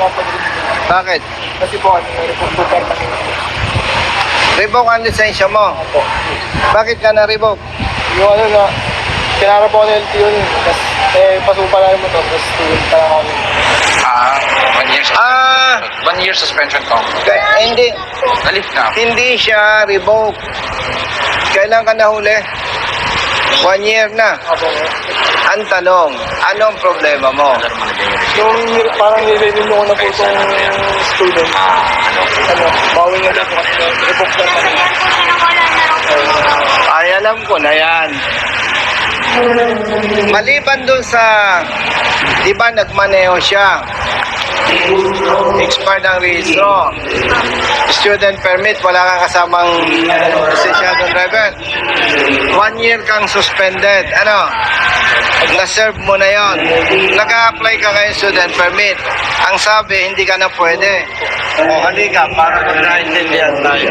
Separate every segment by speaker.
Speaker 1: mapag-revoke.
Speaker 2: Bakit?
Speaker 1: Kasi po, revoke po permanent.
Speaker 2: Revoke ang lisensya mo.
Speaker 1: Opo.
Speaker 2: Bakit ka na-revoke?
Speaker 1: Yung ano na, kinara po ako ng LTO nun. Tapos, pasupa lang yung motor. Tapos, student pa lang ako.
Speaker 3: 1 year suspension. 1 year suspension ko.
Speaker 2: Hindi.
Speaker 3: Nalif na.
Speaker 2: Hindi siya revoke. Kailan ka nahuli? 1 year na.
Speaker 1: Opo.
Speaker 2: Ang tanong, anong problema mo?
Speaker 1: Yung parang nire-renew ko na po itong student. Ano, bawal na lang po kasi revoke lang naman.
Speaker 2: Ay, alam ko na yan. Maliban dun sa, di ba nagmaneho siya? Expired ang rehistro. Student permit, wala kang kasamang lisensyadong driver. 1 year kang suspended. Ano? Na-serve mo na yon. Nag-a-apply ka ngayon student permit. Ang sabi, hindi ka na pwede. O, halika, para magkaintindihan tayo.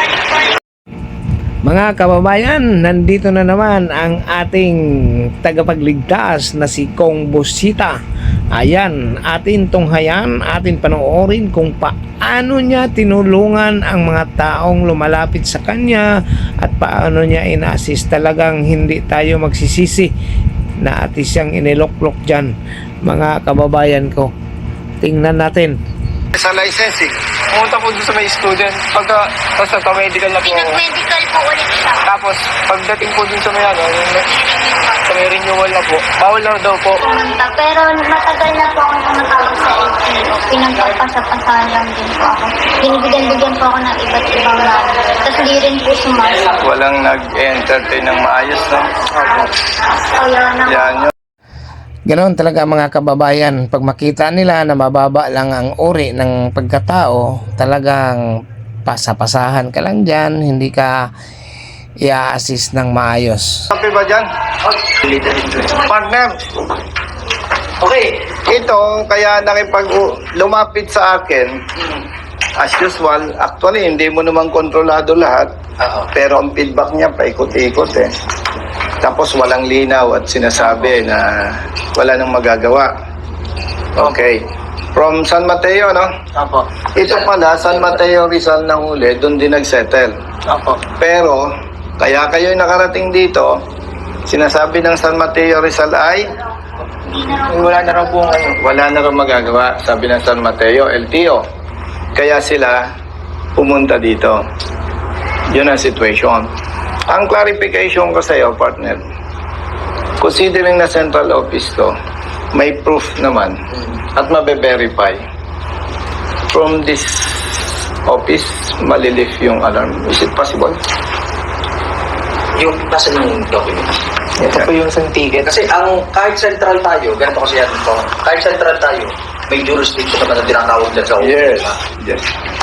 Speaker 4: Mga kababayan, nandito na naman ang ating tagapagligtas na si Kong Busita. Ayan, atin tunghayan, atin panoorin kung paano niya tinulungan ang mga taong lumalapit sa kanya at paano niya ina-assist. Talagang hindi tayo magsisisi na atin siyang iniloklok dyan, mga kababayan ko. Tingnan natin.
Speaker 2: Sa licensing.
Speaker 1: Pumunta po doon sa may student. Tapos nagka-medical na po ako.
Speaker 5: Pinag-medical po ulit siya.
Speaker 1: Tapos, pagdating po dun sa may ano, sa may renewal na po, bawal na daw po.
Speaker 5: Pumunta. Pero matagal na po ako tumatawag sa LTO. Pinagpapasa-pasahan lang din po ako. Binibigyan-bigyan po ako ng iba't ibang number. Tapos hindi rin po sumasagot.
Speaker 2: Walang nag-entertain ng maayos, no?
Speaker 5: Kaya naman.
Speaker 2: Yan yun.
Speaker 4: Ganoon talaga mga kababayan, pag makita nila na mababa lang ang uri ng pagkatao, talagang pasapasahan ka lang dyan, hindi ka i-assist ng maayos.
Speaker 2: Sabi ba dyan? Partner,
Speaker 1: Okay.
Speaker 2: ito, kaya lumapit sa akin, as usual, actually, hindi mo naman kontrolado lahat, pero ang feedback niya, paikot-ikot eh. Tapos walang linaw at sinasabi na wala nang magagawa. Okay. From San Mateo, no?
Speaker 1: Apo.
Speaker 2: Ito pala, San Mateo Rizal na huli, doon din nag-settle.
Speaker 1: Apo.
Speaker 2: Pero, kaya kayo nakarating dito, sinasabi ng San Mateo Rizal ay
Speaker 1: Wala na raw po ngayon.
Speaker 2: wala na rin magagawa, sabi ng San Mateo, LTO. Kaya sila pumunta dito. Yun ang situation. Ang clarification ko sa iyo, partner, considering na central office to, may proof naman at mabe-verify. From this office, malilift yung alarm. Is it possible?
Speaker 6: Yung nasa yung document.
Speaker 1: Ito po yung isang ticket.
Speaker 6: Kasi ang kahit central tayo, ganito kasi yan ito, kahit central tayo, may jurisdiction naman na tinatawag dyan sa office.
Speaker 2: Yes. Yes.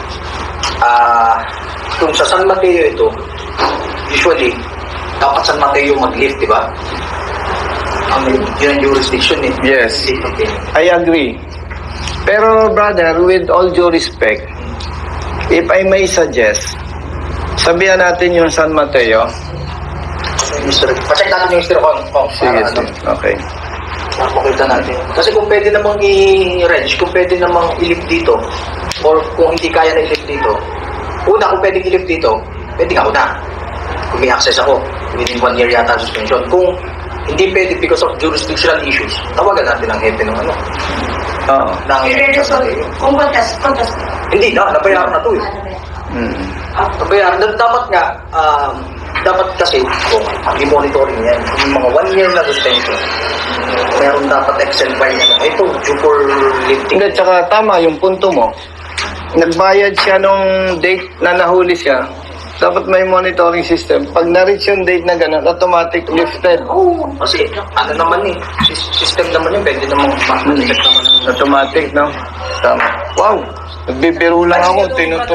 Speaker 6: Kung sa San Mateo ito, usually, dapat San Mateo mag-lift, di ba? Yun ang jurisdiction eh.
Speaker 2: Yes.
Speaker 6: Okay.
Speaker 2: I agree. Pero brother, with all due respect, if I may suggest, sabihan natin yung San Mateo.
Speaker 6: Pacheck natin yung Mr. Kong.
Speaker 2: Sige, sige. Okay.
Speaker 6: Makita natin. Kasi kung pwede namang i-range, kung pwede namang i-lift dito, or kung hindi kaya na i-lift dito, una, kung pwede i-lift dito, pwede nga una. Kung may access ako, within 1 year yata ang suspension. Kung hindi pwede because of jurisdictional issues, tawagan natin ang hepe ng ano.
Speaker 2: Oo.
Speaker 5: Kung kontas.
Speaker 6: Hindi na, nabayaran na to eh. Nabayaran. Dapat nga, dapat kasi, kung i-monitoring yan, yung mga 1 year na suspension, meron dapat Excel file na ito, due for lifting.
Speaker 2: Hindi, tsaka tama yung punto mo. Nagbayad siya nung date na nahuli siya. Dapat may monitoring system. Pag na-reach yung date na gano'n, automatic lifted.
Speaker 6: Oo, kasi ano naman eh, system naman yun, pwede namang ma-detect naman.
Speaker 2: Automatic, no? Tama. Wow! Nagbibiro lang ako,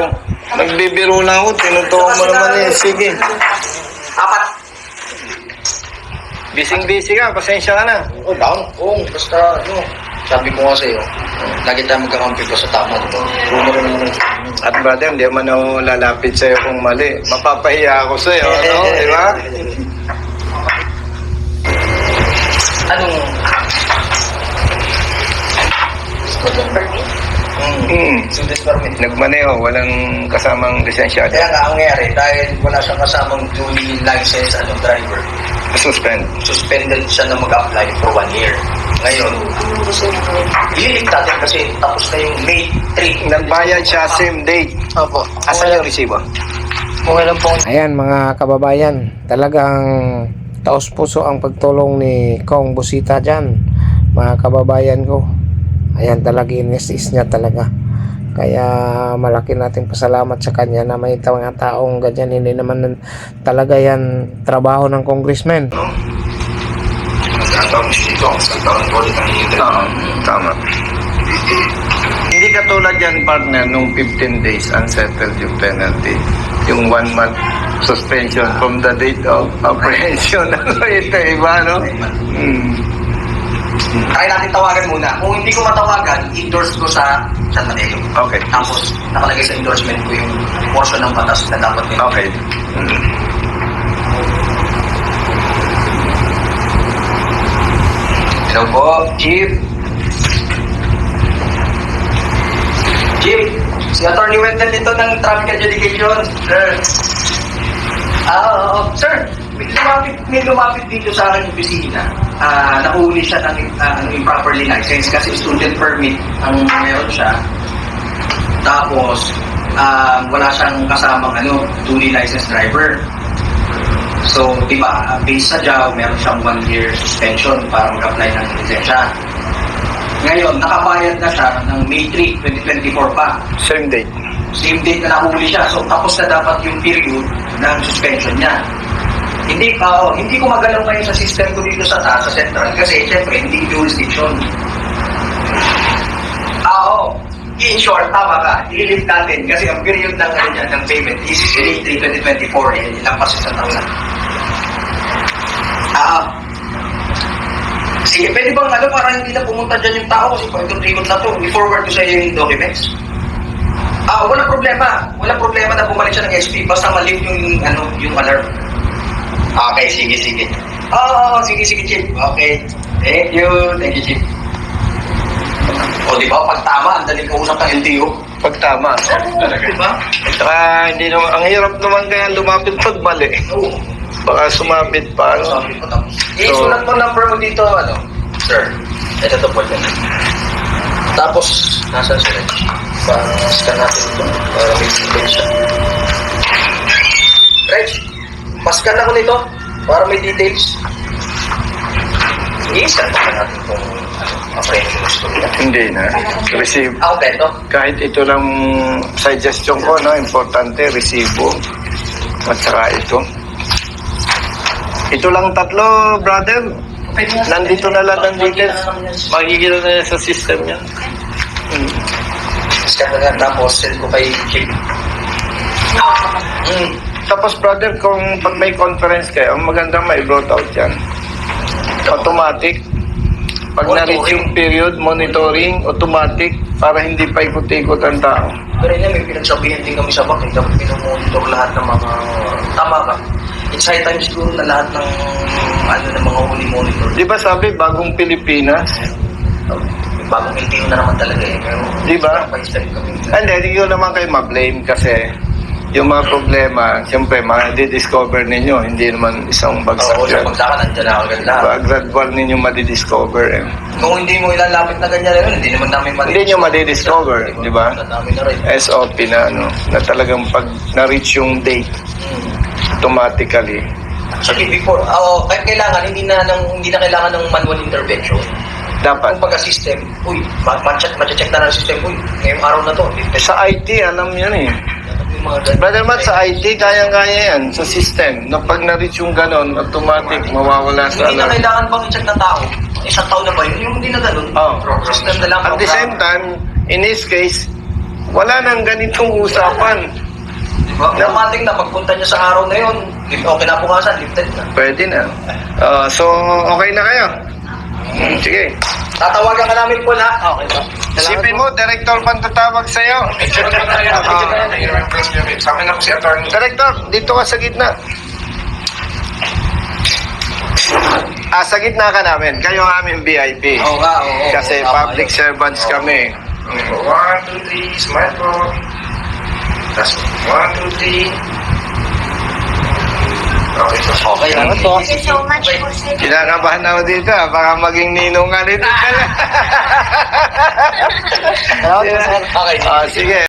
Speaker 2: tinutuwa mo naman eh. Sige.
Speaker 6: 4.
Speaker 2: Busy ka, pasensya ka na.
Speaker 6: Oh, down. Oo, basta ano, sabi ko nga sa'yo, lagi tayo magkakampi ko sa tama.
Speaker 2: At brother, hindi man ako lalapit sa'yo kung mali. Mapapahiya ako sa'yo, no? Di ba?
Speaker 6: Anong... Student permit.
Speaker 2: Nagmaneho, walang kasamang lisensyado.
Speaker 6: Kaya nga, ang nangyari, dahil wala siyang kasamang duly licensed driver, suspended siya na mag-apply for 1 year. Ngayon, ililig natin kasi tapos na yung May 3.
Speaker 2: Nagbayad siya same date.
Speaker 6: Opo.
Speaker 2: Asan yung resibo?
Speaker 6: Okay lang po.
Speaker 4: Ayan mga kababayan, talagang taos puso ang pagtulong ni Kong Busita dyan, mga kababayan ko. Ayan, talaga inis niya talaga. Kaya malaki nating pasalamat sa kanya na may mga taong ganyan. Hindi naman talaga yan trabaho ng congressman.
Speaker 2: Tama. Hindi katulad yan, partner, nung 15 days unsettled yung penalty. Yung 1 month suspension from the date of apprehension. Ito, iba, no?
Speaker 6: Try natin tawagan muna. Kung hindi ko matawagan, endorse ko sa San Mateo.
Speaker 2: Okay.
Speaker 6: Tapos, nakalagay sa endorsement ko yung portion ng batas na dapat nila.
Speaker 2: Okay.
Speaker 6: Hello po, Chief. Chief, si Atty. Wendell dito ng Traffic Adjudication. Sir. Sir, may lumapit dito sa aking opisina. Nahuli siya ng improperly licensed kasi student permit ang meron siya. Tapos, wala siyang kasamang duly licensed driver. So, di ba, based sa JAW, meron siyang 1 year suspension para mag-apply ng lisensya. Ngayon, nakabayad na siya ng May 3, 2024 pa.
Speaker 2: Same date.
Speaker 6: Same date na nahuli siya. So, tapos na dapat yung period ng suspension niya. Hindi ko magalaw ngayon sa system ko dito sa taas, sa central, kasi syempre, hindi jurisdiction. In short, tama ka. I-lift natin kasi ang period ng payment is May 3, 2024. Ilang pa sa taon na. Sige, pwede bang para hindi na pumunta dyan yung tao kasi pag-ikot na to, i-forward ko sa iyo yung documents. Walang problema. Walang problema na bumalik siya ng SP basta ma-lift yung alarm. Okay, sige. Sige, Chief. Okay. Thank you, Chief. O, di ba? Pag tama, ang daling kausap ng LTO.
Speaker 2: Pag tama.
Speaker 6: Di ba?
Speaker 2: Saka, hindi naman, ang hirap naman kaya lumapit pag mali.
Speaker 6: Oo.
Speaker 2: Baka sumapit pa,
Speaker 6: Sabi ko tapos. Isulat mo number mo dito, sir. Ito to po dyan. Tapos, nasa sila? Scan natin ito para may details siya. Reg, pascan ako nito para may details. I-scan pa natin kung apprehension history na.
Speaker 2: Hindi na. Receive.
Speaker 6: Okay, ito.
Speaker 2: Kahit ito lang suggestion ko, importante, resibo. At saka ito. Ito lang tatlo, brother. Nandito na lahat ng details. Makikita na yan sa system niya.
Speaker 6: Scan na nga, tapos send ko kay Chief.
Speaker 2: Tapos, brother, kung pag may conference kayo, ang maganda may brought out yan. Automatic. Pag na-reach yung period, monitoring, automatic, para hindi pa ikot-ikot ang tao.
Speaker 6: Pero yun, may pinagsabihan din kami sa bakit dapat pinumonitor lahat ng mga tama ka. It's high time siguro na lahat ng mga huli monitor.
Speaker 2: Di ba sabi, bagong Pilipinas?
Speaker 6: Bagong LTO na naman talaga eh. Pero,
Speaker 2: Di ba?
Speaker 6: pa-start kami.
Speaker 2: Hindi ko naman kayo ma-blame kasi yung mga problema, siyempre, ma-discover ninyo. Hindi naman isang bagsak
Speaker 6: Oo, sa
Speaker 2: yan.
Speaker 6: pagdaka nandiyan na agad lahat.
Speaker 2: Gradual ninyo ma-discover eh.
Speaker 6: Kung hindi mo ilalapit na ganyan rin, hindi naman namin
Speaker 2: Hindi nyo ma-discover, di ba?
Speaker 6: Namin na rin.
Speaker 2: SOP na, na talagang pag na-reach yung date, automatically.
Speaker 6: Sige, before, kahit kailangan, hindi na kailangan ng manual intervention.
Speaker 2: Dapat.
Speaker 6: Kung pagka-system, ma-check na ng system, ngayong araw na to.
Speaker 2: Sa IT, alam yan eh.
Speaker 6: Yung mga ganun.
Speaker 2: Brother Matt, sa IT, kayang-kaya yan. Sa system, na pag na-reach yung ganon, automatic, mawawala sa
Speaker 6: Hindi na
Speaker 2: alarm.
Speaker 6: kailangan bang i-check ng tao? Isang taon na ba yun? Yung hindi na ganun.
Speaker 2: Oh.
Speaker 6: System na lang.
Speaker 2: At the same time, in this case, wala nang ganitong usapan.
Speaker 6: Diba? Automatic na, pagpunta niya sa araw na yun, okay na bukasan, lifted na.
Speaker 2: Pwede na. So, okay na kayo? Sige.
Speaker 6: Tatawagan ka namin po na. Okay ba?
Speaker 2: Isipin mo, Director pa tatawag sa'yo.
Speaker 3: Sa amin na po si Atty.
Speaker 2: Director, dito ka sa gitna. Sa gitna ka namin. Kayo ang aming VIP.
Speaker 6: Oo nga, oo.
Speaker 2: Kasi public servants kami.
Speaker 3: 1, 2, Ready, smile po. Tapos, 1, 2, 3. Okay, so.
Speaker 6: Okay, salamat po.
Speaker 5: Thank you so much po, sir.
Speaker 2: Kinakabahan ako dito. Baka maging ninong nga nito.
Speaker 6: Salamat po, sir. Okay,
Speaker 2: Sige.